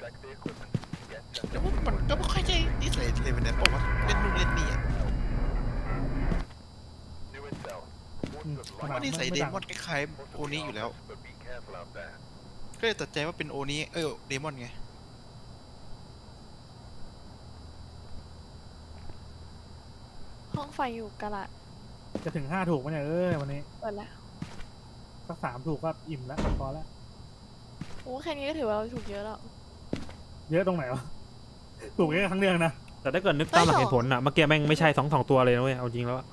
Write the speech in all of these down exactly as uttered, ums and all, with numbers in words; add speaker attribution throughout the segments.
Speaker 1: แต่ว่ามันก็ไม่ค่อยใช่นิสัยเลยมันเนี่ยบอกว่าเล่นนู่นเล่นนี่อ่ะว่านิสัยเดมอนคล้ายๆโอนี้อยู่แล้วก็เลยตัดใจว่าเป็นโอนี้เออเดมอนไง
Speaker 2: ห้องไฟอยู่กะละ
Speaker 3: จะถึงห้าถูกไหมเนี่ยเออวันนี้
Speaker 2: เปิดแล้ว
Speaker 3: สักสามถูกก็อิ่มแล้วพอแล้ว
Speaker 2: โอ้แค่นี้ก็ถือว่าเราถูกเยอะแล้ว
Speaker 3: เยอะตรงไหนวะถูกแค่ครั้งเดียวนะ
Speaker 4: แต่ถ้าเกิดนึกตามหลักเหตุผลอะเมื่อกี้แม่งไม่ใช่สองสองตัวเลยนะเว้ยเอาจริงแล้ว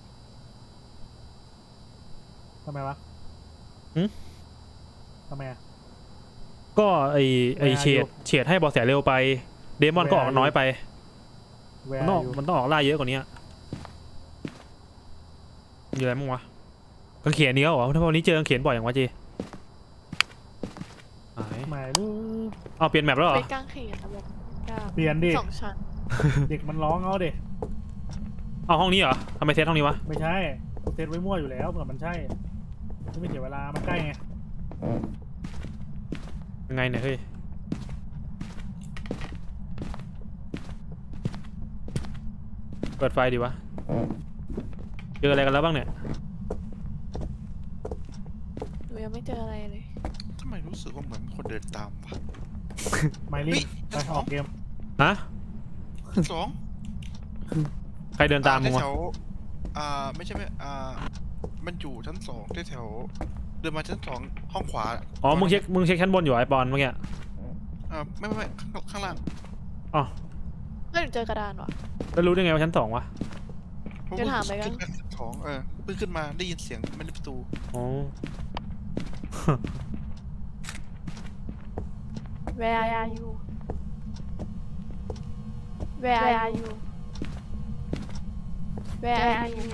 Speaker 3: ทำไมวะ
Speaker 4: หืม
Speaker 3: ทำไมอะ
Speaker 4: ก็ไอไอเฉดเฉดให้บอลแสเร็วไปเดมอนก็ออกน้อยไปมันต้องมันต้องออกล่าเยอะกว่านี้มีอะไรมั้งวะกางเขนนี้เหรอถ้าวันนี้เจอกางเขนบ่อยอย่างวะจี
Speaker 3: ไม่รู้
Speaker 4: เอาเปลี่ยนแมปแล้วเหรอ
Speaker 2: เป็นกางเขนนะแบบ
Speaker 3: เปลี่ยนดิ
Speaker 2: สองชั้น
Speaker 3: เด็กมันร้องเอาเด็ก
Speaker 4: เอาห้องนี้เหรอทำไมเซตห้องนี้วะ
Speaker 3: ไม่ใช่เซตไว้มั่วอยู่แล้วเผื่อมันใช่ไม่เสียเวลามันใกล้ไง
Speaker 4: ยังไงเนี่ยเฮ้ยเปิดไฟดีวะเจออะไรกันแล้วบ้างเนี่ย
Speaker 2: หนูยังไม่เจออะไรเลย
Speaker 1: ทำไมรู้สึกว่าเหมือนคนเดินตามวะ
Speaker 3: ไม่รีบไปออกเกม
Speaker 4: ฮะ
Speaker 1: สอง
Speaker 4: ใครเดินตามมึงวะ
Speaker 1: แถวอ่าไม่ใช่ไม่อ่ามันอยู่ชั้นสองแถวเดินมาชั้นสองห้องขวา
Speaker 4: อ๋อมึงเช็คมึงเช็คชั้นบนอยู่ไอปอนเมื่อกี้
Speaker 1: อ่าไม่ไม่ไม่ข้างล่าง
Speaker 4: อ๋อ
Speaker 2: ไม่เจอกระดานวะ
Speaker 4: แล้วรู้ได้ไงว่าชั้นสองวะ
Speaker 2: จะถามไปกัน
Speaker 1: สองเออเพิ่งขึ้นมาได้ยินเสียงมันในประตู
Speaker 4: อ๋อ
Speaker 2: Where are you Where are you Where are you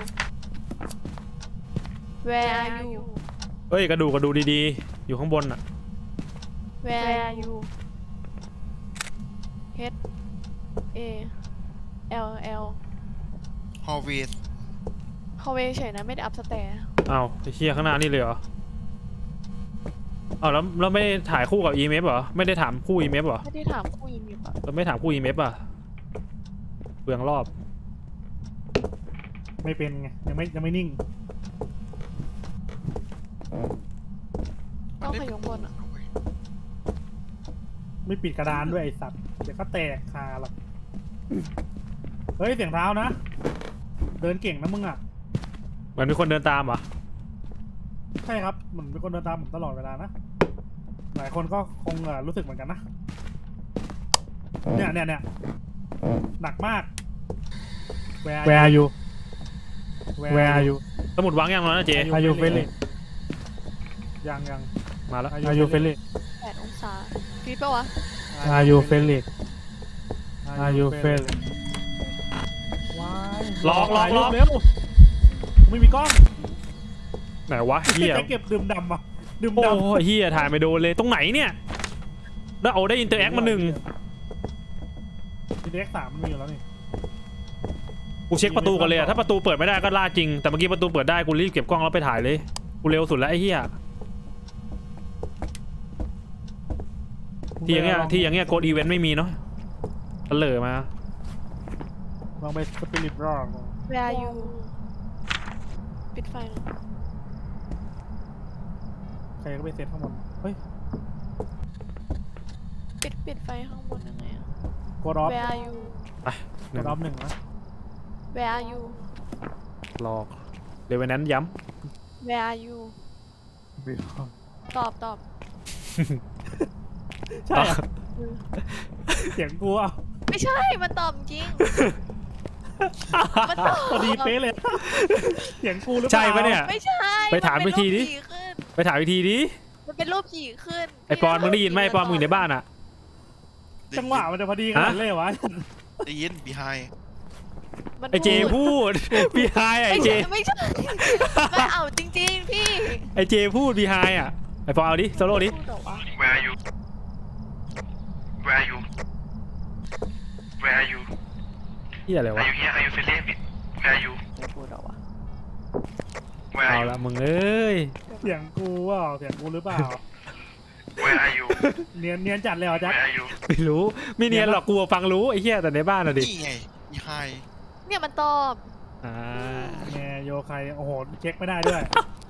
Speaker 2: Where are you
Speaker 4: เฮ้ยกระดูกกระดูกดีๆอยู่ข้างบนอ่ะ
Speaker 2: Where are you H A L L
Speaker 1: ฮอลเวย์
Speaker 2: ฮอลเวย์เฉยนะไม่ได้อัพสแตร์
Speaker 4: อ้าวไอ้เชี่ยข้างหน้านี่เลยเหรออ้าวแล้วเราไม่ได้ถ่ายคู่กับ อี เอ็ม เอฟ เหรอไม่ได้ถามคู่ อี เอ็ม เอฟ เหรอ
Speaker 2: ไม่ได้ถามคู่ อี เอ็ม เอฟ อ่ะ
Speaker 4: เราไม่ถามคู่ อี เอ็ม เอฟ อ่ะเปลืองรอบ
Speaker 3: ไม่เป็นไงยังไม่ยังไม่นิ่ง
Speaker 2: ต้องขยงบนอ่ะ
Speaker 3: ไม่ปิดกระดานด้วยไอสัตว์เดี๋ยวก็แตกคาหรอกเฮ้ยเสียงเท้านะเดินเก่งนะมึงอ่ะ
Speaker 4: เหมือนมีคนเดินตามเหรอ
Speaker 3: ใช่ครับเหมือนมีคนเดินตามผมตลอดเวลานะหลายคนก็คงรู้สึกเหมือนกันนะเนี่ยเนี่ยเนี่ยหนักมาก Where are you Where are you
Speaker 4: สมุดวางยังแล้วนะเจ
Speaker 3: Are you friendly ยังยัง
Speaker 4: มาแล้ว
Speaker 3: Are you friendly
Speaker 2: แปดองศาฟีดปะวะ
Speaker 3: Are you friendly Are you friendly
Speaker 4: หลอกหลอกหลอก
Speaker 3: เร็วไม่มีกล้อง
Speaker 4: ไหนวะเฮีย
Speaker 3: เก็บดื่มดำอ่ะดื่มดำ
Speaker 4: โอ้เฮียถ่ายไม่โดนเลยตรงไหนเนี่ยแล้วเอาได้อินเตอร์แอคมาหนึ่ง
Speaker 3: อินเตอร์แอคสามมันมีอยู่แล้วนี่
Speaker 4: กูเช็คประตูก่อนเลยอะถ้าประตูเปิดไม่ได้ก็ล่าจริงแต่เมื่อกี้ประตูเปิดได้กูรีบเก็บกล้องแล้วไปถ่ายเลยกูเร็วสุดแล้วไอ้เฮียที่อย่างเงี้ยที่อย่างเงี้ยโกดอีเวนต์ไม่มีเนาะเฉลยมา
Speaker 3: ลองไปสปิริตรอ
Speaker 2: Where are you ปิดไฟ
Speaker 3: ใครก็ไปเซตข้างบนเฮ้ย
Speaker 2: ปิดปิดไฟข้างบนยังไงอะ
Speaker 3: กดออฟ
Speaker 2: Where are you
Speaker 4: ไป
Speaker 3: กดออฟหนึ่งนะ
Speaker 2: Where are you
Speaker 4: หลอกเดี๋ยววันนั้นย้
Speaker 2: ำ Where are you ตอบตอบ
Speaker 3: ใช่เสียงกูอ่ะ
Speaker 2: ไม่ใช่มันตอบจริงมันตอบ
Speaker 3: พอดีเป๊ะเลยเสียงกูหรือเปล่า
Speaker 4: ใช่ปะเนี่ย
Speaker 2: ไม่ใช่
Speaker 4: ไปถามวิธีดิไปถามวิธีดิ
Speaker 2: มันเป็นรูปผีขึ้น
Speaker 4: ไอปอนมึงได้ยินไหมไอปอนมึงอยู่ในบ้านอ่ะ
Speaker 3: จังหวะมันจะพอดีขนาดเลยวะ
Speaker 1: ได้ยิน behind
Speaker 4: ไอเจพูดบีไฮไอเจ
Speaker 2: ไม่ใช่ไม่เอาจริงๆพี่
Speaker 4: ไอเจพูดบีไฮอ่ะไอปอนเอาดิโซโล่ดิ
Speaker 1: Where are you Where are you Where are you
Speaker 4: เฮียอะไรวะ
Speaker 1: Are you here Are you feeling Where are you
Speaker 2: ไม่พูดหรอวะ
Speaker 1: Where are
Speaker 4: เอา
Speaker 1: you
Speaker 4: ละมึงเอ้ย
Speaker 3: เสียงกูว่าเสียงกูหรือเปล่า
Speaker 1: Where are you
Speaker 3: เนียนเนียนจัดเลยเหรอแจ็ค
Speaker 4: ไม่รู้ไม่เนียนหรอกกูฟังรู้ไอ้เหี้ยแต่ในบ้านอะดิ
Speaker 1: นี่ไงอีไฮ
Speaker 2: เนี่ยมันตอบ
Speaker 4: อ่า
Speaker 3: แมโยใครโอ้โหเช็คไม่ได้ด้วย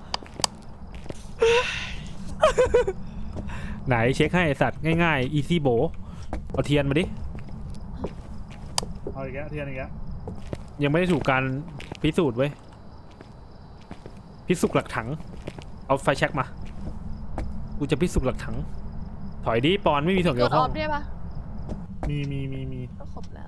Speaker 4: ไหนเช็คให้ไอ้สัตว์ง่ายๆ easy โบเอาเทียนมาดิ
Speaker 3: เอาอีกแล้วเทียนอีกแล้ว
Speaker 4: ยังไม่ได้ถูกการพิสูจน์เว้ยพิสูจน์หลักถังเอาไฟแช็กมากูจะพิสูจน์หลักถังถอยดิปอนไม่มีส่วน
Speaker 2: ก
Speaker 4: เกี่ย
Speaker 2: ด
Speaker 4: ว
Speaker 2: อ
Speaker 4: ข้
Speaker 2: อ
Speaker 4: อง
Speaker 2: ฟด้วยปะ
Speaker 3: มีมีมีมี
Speaker 2: ก็ครบแล้ว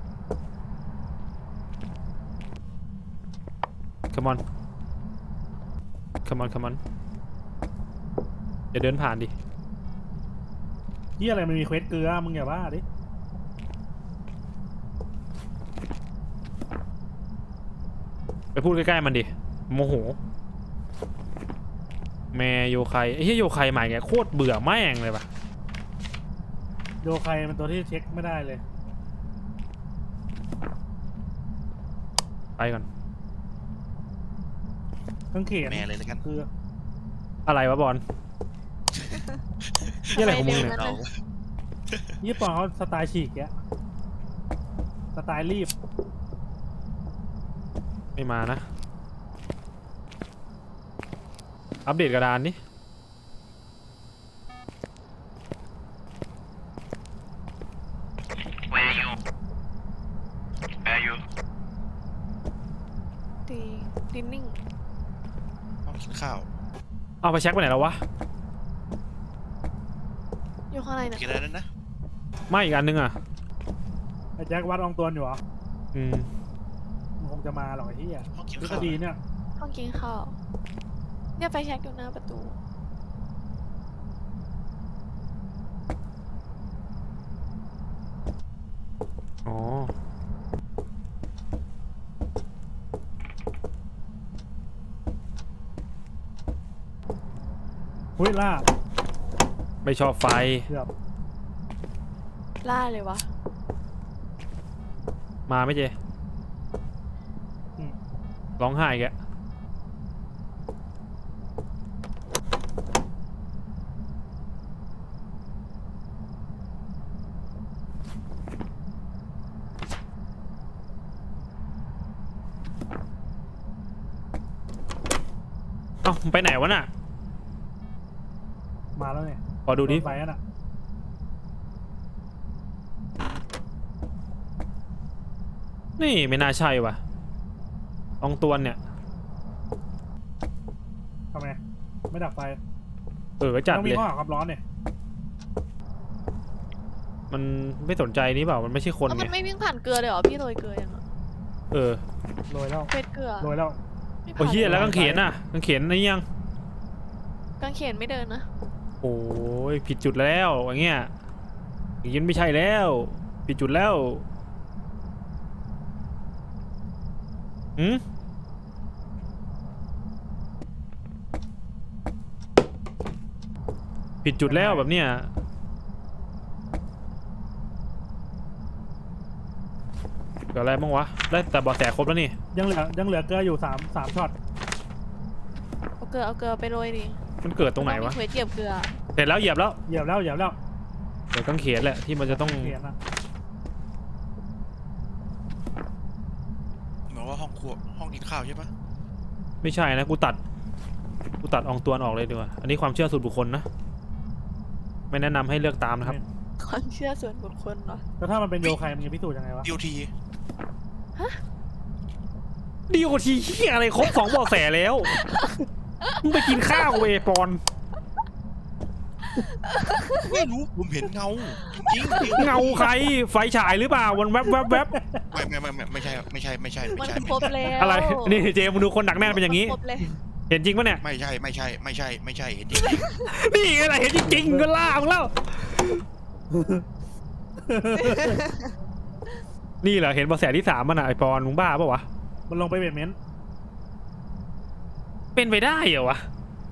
Speaker 4: come on come on come on อย่าเดินผ่านดิ
Speaker 3: ที่อะไรมันมีเควสเกลือมึงอย่าบ้าดิ
Speaker 4: ไปพูดใกล้ๆมันดิโมโหแมโยไคไอ้เหี้ยโยไคใหม่ไงโคตรเบื่อแม่งเลยปะ
Speaker 3: โยใครมันตัวที่เช็คไม่ได้เลย
Speaker 4: ไปก่อน
Speaker 3: ต้องเขียน
Speaker 1: แม่เลยแล้วกัน
Speaker 3: คือ
Speaker 4: อะไรวะบอล นี่อะไรของมึงเนี่ย
Speaker 2: ทำไเร็ว
Speaker 1: เรา
Speaker 2: นั้นน่ะ
Speaker 3: ญี่ปุ่นเขาสไตล์ฉีกแกะสไตล์รีบ
Speaker 4: ไม่มานะ อัปเดตกระดานนี่
Speaker 2: ดีดินนิ่ง
Speaker 1: ต้องกินข้าว
Speaker 4: เอาไปเช็คไปไหนแล้ววะ
Speaker 2: อยู่ข้างในเนี่ย
Speaker 1: กินอะไรนั่นนะ
Speaker 4: ไม่อีกอันนึงอ่ะ
Speaker 3: ไอ้แจ็ควัดอองตวนอยู่เหรอ
Speaker 4: อืม
Speaker 3: มันคงจะมาหรอกไอ้ที่อ่ะ
Speaker 1: ต้องกิน
Speaker 3: ทฤษ
Speaker 1: ข้าว
Speaker 3: ฎีเนี่ย
Speaker 2: ห้องกินข้าวเนี่ยไฟแช็กอยู่หน้าประตู
Speaker 4: อ๋อ
Speaker 3: หุ้ยล่า
Speaker 4: ไม่ชอบไฟ
Speaker 3: เกือบ
Speaker 2: ล่าเลยวะ
Speaker 4: มาไหม่เจ
Speaker 3: อืม
Speaker 4: ร้องไห้แกะเอ้าไปไหนวะน่ะ
Speaker 3: มาแล้วเนี่ย
Speaker 4: ขอดูดิ
Speaker 3: โนไฟนั่นอ่ะ
Speaker 4: นี่ไม่น่าใช่ว่ะอองตวนเนี่ย
Speaker 3: ทำไมไม่ดับไฟ
Speaker 4: เออจัด
Speaker 3: ต้อง
Speaker 4: เล
Speaker 3: มี
Speaker 4: ย
Speaker 3: ข้อหาความร้อนเนี่ย
Speaker 4: มันไม่สนใจนี่เปล่า มันไม่ใช่คน
Speaker 2: แล้ว
Speaker 4: ไง
Speaker 2: มันไม่วิ่งผ่านเกลือเลยเหรอพี่โรยเกลือยังอ่ะ
Speaker 4: เออ
Speaker 3: โรยแล้ว
Speaker 2: เฟสเกลือ
Speaker 3: โรยแล้ว
Speaker 2: ไม่ผ่าน
Speaker 4: โอ้ยเฮียแล้ว
Speaker 2: หร
Speaker 4: กางเขนอ่ะกางเขนนี่ยัง
Speaker 2: กางเขนไม่เดินนะ
Speaker 4: โอ้ยผิดจุดแล้วอย่างเงี้ยอย่างนี้ไม่ใช่แล้ว ผิดจุดแล้วอืมผิดจุดแล้วแบบเนี้ยเกิดอะไรบ้างวะได้แต่เบาะแสครบแล้วนี่
Speaker 3: ยังเหลือยังเหลือเกลืออยู่สามสามช็อต
Speaker 2: เอาเกลือเอาเกลือไปโรยดิ
Speaker 4: มันเกิดตรงไหนวะ
Speaker 2: มีเควสเหยียบเกลือ
Speaker 4: เสร็จแล้วเหยียบแล้ว
Speaker 3: เหยียบแล้วเหยียบแล้ว
Speaker 4: เดี๋ยวกางเขนแหละที่มันจะต้อง
Speaker 3: เขียนนะ
Speaker 1: เหมือนว่าห้องครัวห้องกินข้าวใช่ปะ
Speaker 4: ไม่ใช่นะกูตัดกูตัดอองตวนออกเลยดีกว่าอันนี้ความเชื่อส่วนบุคคลนะไม่แนะนำให้เลือกตามนะครับ
Speaker 2: ความเชื่อส่วนบุคคลเหรอ
Speaker 3: แล้วถ้ามันเป็นโยใครมันจะพิสูจน์ยังไงวะ
Speaker 1: ดีโอที
Speaker 4: ดีกว่าทีเหี้ยอะไรครบสองเบาะแสแล้วมึงไปกินข้าวเวยปอน
Speaker 1: ไม่รู้ผมเห็นเงาจริงๆ
Speaker 4: เงาใครไฟฉายหรือเปล่าวันแวบแวบแวบ
Speaker 1: ไม่ไม่ไม่ไม่ไม่ใช่ไม่ใช่ไม่ใช่
Speaker 2: มั
Speaker 1: ไม่
Speaker 2: น
Speaker 1: ใช่
Speaker 2: ครบแล้ว
Speaker 4: อะไรนี่เจมึงดูคนหนักแน่นเป็นอย่างนี้
Speaker 2: ครบเลย
Speaker 4: เห็นจริงปะเนี่ย
Speaker 1: ไม่ใช่ไม่ใช่ไม่ใช่ไม่ใช่เห็นจริง
Speaker 4: นี่ไงล่ะเห็นจริงๆก็ล่ามึงแล้วนี่เหรอเห็นเบาะแสที่สามมันอ่ะไอปอนมึงบ้าปะวะ
Speaker 3: มันลงไปเบดเมนต์
Speaker 4: เป็นไปได้เหรอวะ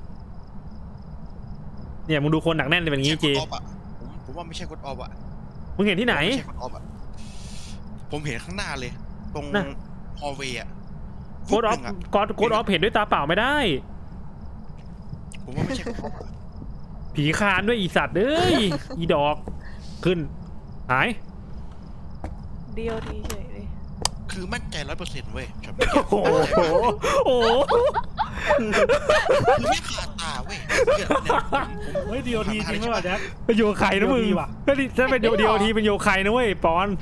Speaker 4: เนี่ยมึงดูคนหนักแน่นเป็นอย่างนี้เจ
Speaker 1: ไม่ใช่กดออฟอะผมผมว่าไม่ใช่กดออฟอะ
Speaker 4: มึงเห็นที่ไหน
Speaker 1: ไม่ใช่กดออฟอะผมเห็นข้างหน้าเลย ตรง
Speaker 4: น่ะ
Speaker 1: ฮอลเวย์อะ
Speaker 4: โคดออฟ
Speaker 1: หนึ่งะ
Speaker 4: กดโคดออฟเห็นด้วยตาเปล่าไม่ได้
Speaker 1: ผมว่าไม่ใช่กดออฟอะ
Speaker 4: ผีคานด้วยอีสัตว์เอ้ย อีดอกขึ้นหาย
Speaker 2: เดียวทีเฉยเลย
Speaker 1: คือมั่นใจร้อยเปอร์เซ็นต์เว้ยช็อต
Speaker 4: โอ้โหโอ้โห
Speaker 1: คือไม่ขาดตาเว้ยเนี่ยเนี่ยผม
Speaker 3: เฮ้ยดีโอทีจริงไหมวะแจ็ค
Speaker 4: เป็นโยไคนะมึง
Speaker 3: ดีว่ะ
Speaker 4: ถ้าดิถ้าเป็นโยเดียวทีเป็นโยไคนะเว้ยปอน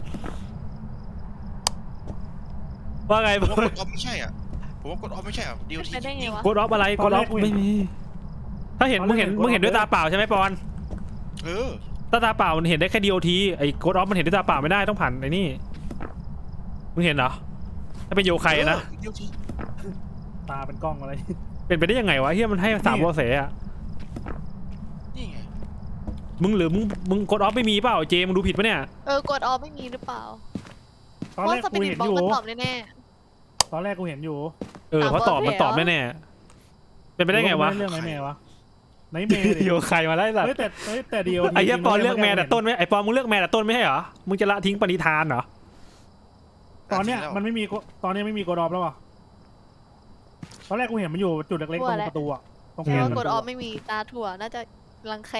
Speaker 4: ว่าไง
Speaker 1: ผม
Speaker 4: ปอ
Speaker 1: ว่าน กดออฟไม่ใช่อ่ะผมว่ากดออฟไม่ใช่อ่ะดีโอ
Speaker 2: เป็น
Speaker 1: ที
Speaker 2: ไปได้ไงวะ
Speaker 4: กดออฟอะไรกดออฟไม่มีถ้าเห็นมึงเห็นมึงเห็นด้วยตาเปล่าใช่ไหมปอน
Speaker 1: เออ
Speaker 4: ตาตาเปล่ามันเห็นได้แค่ดีโอทีไอ้กดออฟมันเห็นด้วยตาเปล่าไม่ได้ต้องผ่านไอ้นี่มึงเห็นเหรอถ้าเป็นโยไคนะ
Speaker 1: ดีโอที
Speaker 3: ตาเป็นกล้องอะไร
Speaker 4: เป็นไปได้ยังไงวะเฮียมันให้สามวอเสอะ
Speaker 1: นี่ไง
Speaker 4: มึงหรือมึงมึงกดออฟไม่มีเปล่าเจมึงดูผิดปะเนี่ย
Speaker 2: เออกดออฟไม่มีหรือเปล่า
Speaker 3: ตอน
Speaker 2: เพราะ
Speaker 3: แรก
Speaker 2: สปิ
Speaker 3: กู
Speaker 2: ริต
Speaker 3: เห็น
Speaker 2: บ็อ
Speaker 3: อก ยู่
Speaker 2: มันตอบแน่
Speaker 3: ตอนแรกกูเห็นอยู่
Speaker 4: เออเพราะตอบมันตอบแน่ๆเป็นไปได้ไงวะ
Speaker 3: เรื่องไหนแม่วะไหนแม่ดิ
Speaker 4: โยไคมาไล่สัต
Speaker 3: เฮ้ย
Speaker 4: ว์
Speaker 3: แต่เฮ้ยแต่ดีโอที
Speaker 4: ไอ้เหี้ยปอนเลือกแม่แต่ต้นไหมไอ้ปอนมึงเลือกแม่แต่ต้นไม่ใช่เหรอมึงจะละทิ้งปณิธานเหรอ
Speaker 3: ตอนเนี้ยมันไม่มีตอนเนี้ยไม่มีกดออฟแล้วอ่ะตอนแรกกูเห็นมันอยู่จุดเล็กๆตรงประตูอ่ะตรง
Speaker 2: ๆแต่ว่ากดออฟ
Speaker 3: ฟ
Speaker 2: ไม่มีตาถั่วน่าจะรังแค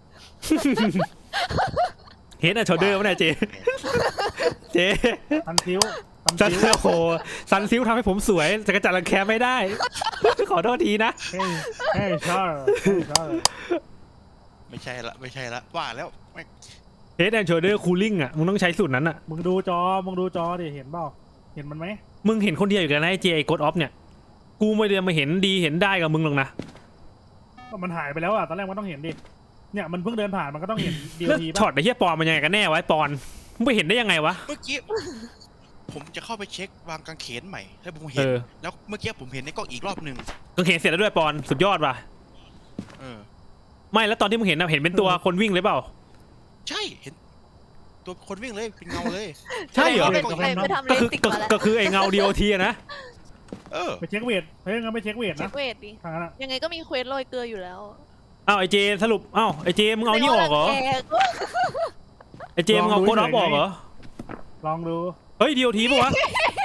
Speaker 4: เห็นอะโชเดอร์มั้ยเนี่ยเจเจ
Speaker 3: ทันซิวทัน
Speaker 4: ซัน
Speaker 3: ซิว
Speaker 4: โอ้โหซันซิลทำให้ผมสวยแต่กระจัดรังแคไม่ได้ ขอโทษทีนะ
Speaker 3: เฮ้ยเฮ้ยชอบเฮ้ยชอบ
Speaker 1: ไม่ใช่ละไม่ใช่ละว่าแล้วแม่ง
Speaker 4: เฮดแอนโชเดอร์คูลิ่งอะมึงต้องใช้สูตรนั้นอะ
Speaker 3: มึงดูจอมึงดูจอดิเห็นเปล่าเห็นมันไหม
Speaker 4: มึงเห็นคนเดียวอยู่กันนะไอ้เจไอ้กดออฟเนี่ยกูไม่ได้มาเห็นดีเห็นได้กับมึงหรอกนะ
Speaker 3: ก็มันหายไปแล้วอ่ะตอนแรกมันต้องเห็นดิเนี่ยมันเพิ่งเดินผ่านมันก็ต้องเห็นดีโอ
Speaker 4: แล้ว
Speaker 3: ที
Speaker 4: ช็อ
Speaker 3: ป่ะ
Speaker 4: ตไอ้เหี้ยปอนมันยังไงกันแน่วะไอ้ปอนมึงไปเห็นได้ยังไงวะ
Speaker 1: เมื่อกี้ผมจะเข้าไปเช็ควางกางเขนใหม่ให้ผม
Speaker 4: เอ
Speaker 1: เห็น
Speaker 4: อ
Speaker 1: แล้วเมื่อกี้ผมเห็นในกล้องอีกรอบหนึ่ง
Speaker 4: ก็เห็นเสร็จแล้วด้วยปอนสุดยอดว่ะ
Speaker 1: เออ
Speaker 4: ไม่แล้วตอนที่มึงเห็นนะเห็นเป็นตัวคนวิ่งเลยเปล่า
Speaker 1: ใช่เห็น ตัวคนวิ่งเลยเป็นเงาเลย
Speaker 4: ใช่เหรอ
Speaker 2: ไปไปไปทำเล
Speaker 4: ก็คือ
Speaker 2: สิก
Speaker 4: ก็
Speaker 2: มาแล้ว
Speaker 4: ก็คือไอ้เงาดีโอทีนะ
Speaker 1: เออ
Speaker 3: ไปเช็คเวทเฮ้ยงั้นไปเช็คเวท
Speaker 2: เช็
Speaker 3: นะ
Speaker 2: คเวทดิ
Speaker 3: ทางนั้นอะ
Speaker 2: ยังไงก็มีเควสโรยเกลืออยู่แล้ว
Speaker 4: อ้าวไอเจสรุปอ้าวไอเจมึงเอานี่ออกเหรอ
Speaker 2: แก
Speaker 4: ไอเจมึงเอาโคดออฟออกเหรอ
Speaker 3: ลองดู
Speaker 4: เฮ้ยดีโอทีปะวะ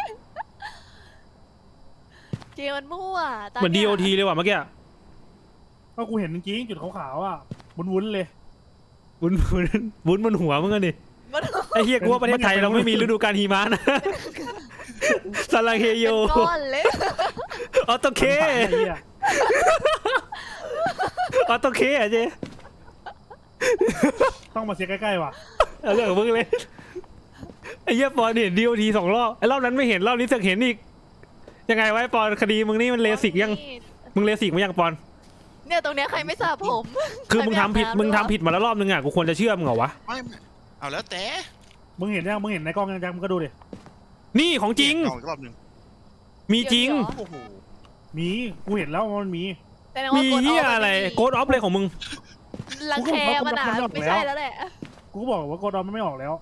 Speaker 2: เจมันมั่วตา
Speaker 4: เหมือนดี
Speaker 2: ย
Speaker 4: โอทีเลยว่ะเมื่อกี้
Speaker 3: ก็กูเห็นจริงๆจุดขาวๆอ่ะวุ้นๆเลย
Speaker 4: วุ้นวุ้นวุ้นบนหัวมึงอะดิ
Speaker 2: มัน
Speaker 4: ไอเฮียกูว่าประเทศไทยเราไม่มีฤดูกาลหิมะนะสลังเฮโย
Speaker 2: เป็นก้อนเลย
Speaker 4: ออโตเค
Speaker 3: ไอ้เหี้ย
Speaker 4: ออโตเคอะเจ
Speaker 3: ต้องมาเช็คใกล้ๆว่ะ
Speaker 4: เอาเรื่องของมึงเลยไอเฮียปอนเห็นดีโอทีสองรอบไอรอบนั้นไม่เห็นรอบนี้สึกเห็นอีกยังไงวะไอ้ปอนคดีมึงนี่มันเลสิกยังมึงเลสิกมั้ยยังปอน
Speaker 2: เนี่ยตรงเนี้ยใครไม่สระผม
Speaker 4: คือมึงทำผิด
Speaker 2: ใครไอาบน้ำ
Speaker 4: มึงทำผิดมาแล้วรอบนึงอ่ะกูควรจะเชื่อมึงเหรอวะ
Speaker 1: ไม่ไม่เอาแล้วแต่
Speaker 3: มึงเห็นยังมึงเห็นในกล้องยังจังมึงก็ดูดิ
Speaker 4: นี่ของจริง
Speaker 1: เาอีกรอบหนึ่ง
Speaker 4: มีจริง
Speaker 1: โอ้โห
Speaker 3: มีกูเห็นแล้วว่ามันมี
Speaker 2: แต่ว่า
Speaker 4: มี
Speaker 2: กด
Speaker 4: เฮีย
Speaker 2: ฟ
Speaker 4: อะไร
Speaker 2: ม่มี
Speaker 4: โกดออฟเลยของมึง
Speaker 2: รังแคมันอ่ะ
Speaker 3: กูก็บอก
Speaker 2: ไม่
Speaker 3: แล้ว
Speaker 2: ใช่แล้วแหละ
Speaker 3: กูก็บอกว่ากดออฟมันไม่ออกแล้ว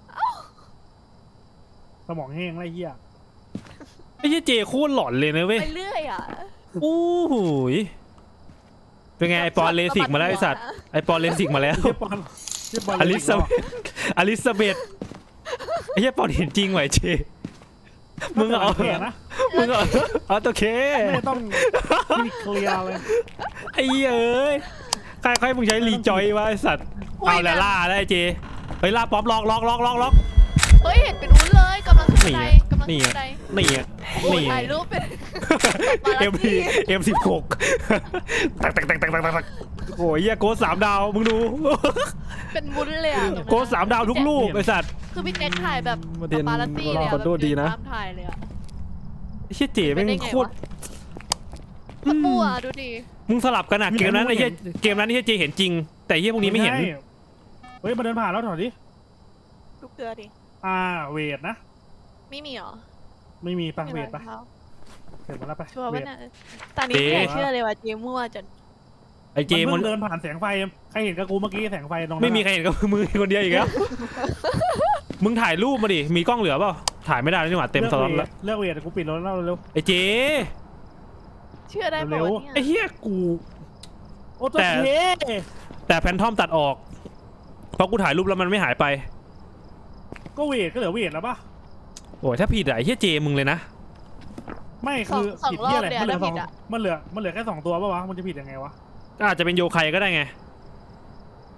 Speaker 3: สมองแห้งไรเหี้ย
Speaker 4: ไอ้เหี้ยเจโคตรหลอนเลยนะเว้ย
Speaker 2: ไปเรื่อยอ่ะ
Speaker 4: โอ้โหยเป็นไงไอปอนเลสิกมาแล้วไอสัตว์ไอปอนเลสิกมาแล้ว
Speaker 3: เหี้ยปอนเหี้ยปอน
Speaker 4: อลิซาเบธอลิซาเบธไอ้เหี้ยปอนเห็นจริงไหวะไอ้เจมึงเอา
Speaker 3: แค่นะ
Speaker 4: มึงเอาเอาตัวเค
Speaker 3: ไม่ต้องมีเคลียร์เลย
Speaker 4: ไอ้เหี้ยเอ้ยใครใครมึงใช้รีจอยวะไอสัตว์เอาแล้วล่าแล้วไอเจเฮ้ยล่าป๊อปล็อกล็อกล็อกล็อกล็อก
Speaker 2: เฮ้ยเห็นเป็นอุ้นเลยกำลังขึ้น
Speaker 4: นี่
Speaker 2: บันได
Speaker 4: ไง
Speaker 2: กำลัง
Speaker 4: นี่
Speaker 2: ขึ้น
Speaker 4: ไง
Speaker 2: บันได
Speaker 4: นี่อ่ะ
Speaker 2: โอ้ย
Speaker 4: นี่
Speaker 2: ถ่ายรูปเป็น
Speaker 4: เอ็มพีเอ็มสิบหกตักตักตักตักตักตักโอ้ยเหี้ยโกสสามดาวมึงดู
Speaker 2: เป็นวุ้นเลยอ่ะตรงนั้น
Speaker 4: โกสสามดาวทุกลูกไอสัตว์
Speaker 2: คือพี่แจ็คถ่ายแบบ
Speaker 4: มาเรียน
Speaker 2: ปาลาตี้เลย
Speaker 4: ขอโทษดีนะ
Speaker 2: ตามถ่ายเลยอ่ะ
Speaker 4: ไอ้เหี้ยเจ๋แม่งโคตร
Speaker 2: สมั่วดูดิ
Speaker 4: มึงสลับกันอะเกมนั้นไอ้เหี้ยเกมนั้นไอ้เหี้ยเจเห็นจริง แต่ไอ้เหี้ยพวกนี้ไม่เห็น
Speaker 3: ใช่เฮ้ยมาเดินผ่านแล้วถอยดิ
Speaker 2: ลูกเกลือดิ
Speaker 3: อ่าเวทนะ
Speaker 2: ไม่มีเหรอ
Speaker 3: ไม่มีปะ
Speaker 2: ไม่
Speaker 3: เว
Speaker 2: มี
Speaker 3: ทปะ
Speaker 2: รองท้า
Speaker 3: เวทมาแล้วปะ
Speaker 2: ชัวร์
Speaker 3: เว
Speaker 2: ป่ะ
Speaker 3: ท
Speaker 2: เนี่ยตอนนี้ไม่อยากเชื่อเลยว่าเจมั่วจน
Speaker 4: ไอ้เจ
Speaker 3: มัน
Speaker 4: มัน
Speaker 3: เพิ่งเดินผ่านแสงไฟใครเห็นกับกูเมื่อกี้แสงไฟตรงนั้น
Speaker 4: ไม่มีใครเห็นกับมือคนเดียวอีกแล้วมึงถ่ายรูปมาดิมีกล้องเหลือเปล่าถ่ายไม่ได้แล้วนี่หว่าเต็มสล็อตแล้ว
Speaker 3: เลือกเวทกูปิดรถแล้วเร็ว
Speaker 4: ไอ้เจ
Speaker 2: เชื่อได้
Speaker 3: เร็
Speaker 2: ป่ะ
Speaker 3: ว
Speaker 2: วะ
Speaker 4: ไอ้
Speaker 2: เนี่ย
Speaker 4: เหี้ยกู
Speaker 3: โอ้ตัว
Speaker 4: แต่
Speaker 3: เค
Speaker 4: แต่แพนทอมตัดออกเพราะกูถ่ายรูปแล้วมันไม่หายไป
Speaker 3: ก็เวทก็เหลือเวทแล้วปะ
Speaker 4: โอ้ยถ้าผิดอะไอ้เหี้ยเจมึงเลยนะ
Speaker 3: ไม่คือผิดที่อะไรมันเหลือสองมันเหลือมันเหลือแค่สองตัวปะวะมันจะผิดยังไงวะ
Speaker 4: ก็อาจจะเป็นโยไคก็ได้ไง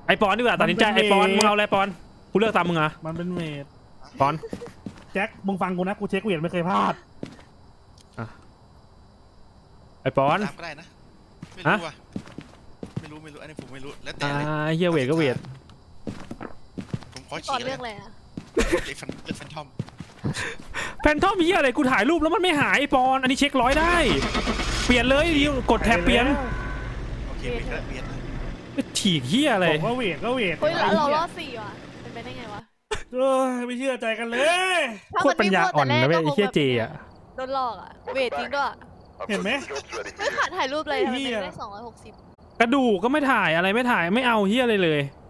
Speaker 4: ไอปอนดีกว่าตัดสินใจไอปอนมึงเอาอะไรปอนกูเลือกตามมึงอ่ะ
Speaker 3: มันเป็นเมด
Speaker 4: ปอน
Speaker 3: แจ็คมึงฟังกูนะกูเช็คเวทไม่เคยพลาด
Speaker 4: ไอปอน
Speaker 1: ตามก็ได้นะไม่รู้ว่ะไม่รู้ไม่รู้อันนี้ผมไม่รู้แล้วแต่
Speaker 4: อ่า
Speaker 1: เลย
Speaker 4: เฮียเวทก็เวท
Speaker 1: ผมขอ
Speaker 2: ก่อ
Speaker 1: ฉี
Speaker 2: น
Speaker 1: ก
Speaker 2: เรื่องอะไรอะ
Speaker 1: เลือกฟันเลือกฟันทอม
Speaker 4: แพนทอมเฮียอะไรกูถ่ายรูปแล้วมันไม่หายไอปอนอันนี้เช็คร้อยได้เปลี่ยนเลยดิวกดแท็บเปลี่ยน
Speaker 1: โอเคเบียดแล้วเบียดแล้ว
Speaker 4: ฉีกเฮียอะไร
Speaker 3: บอกว่าเวทก็เวท
Speaker 2: เฮ้ยเราเรา
Speaker 3: ไอ้
Speaker 2: ร
Speaker 3: หี้
Speaker 2: อดสี่ว่ะเป็นไปได้ไงวะ
Speaker 3: เอ้ยไม่เชื่อใจกันเลย
Speaker 2: ถ้า
Speaker 4: โค
Speaker 2: มั
Speaker 4: ตรปัญญาอ่อนนะเว้ยไอ้เฮียเจอ่ะ
Speaker 2: โดนหลอกอะเวทจริงด้วย
Speaker 3: เห็นไหม
Speaker 2: ไม่ขาดถ่ายรูปเลยทำไม
Speaker 3: เหี้ย
Speaker 2: ไม่ได้สองร้อยหกสิบ
Speaker 4: กระดูกก็ไม่ถ่ายอะไรไม่ถ่ายไม่เอาเฮียอะไรเลย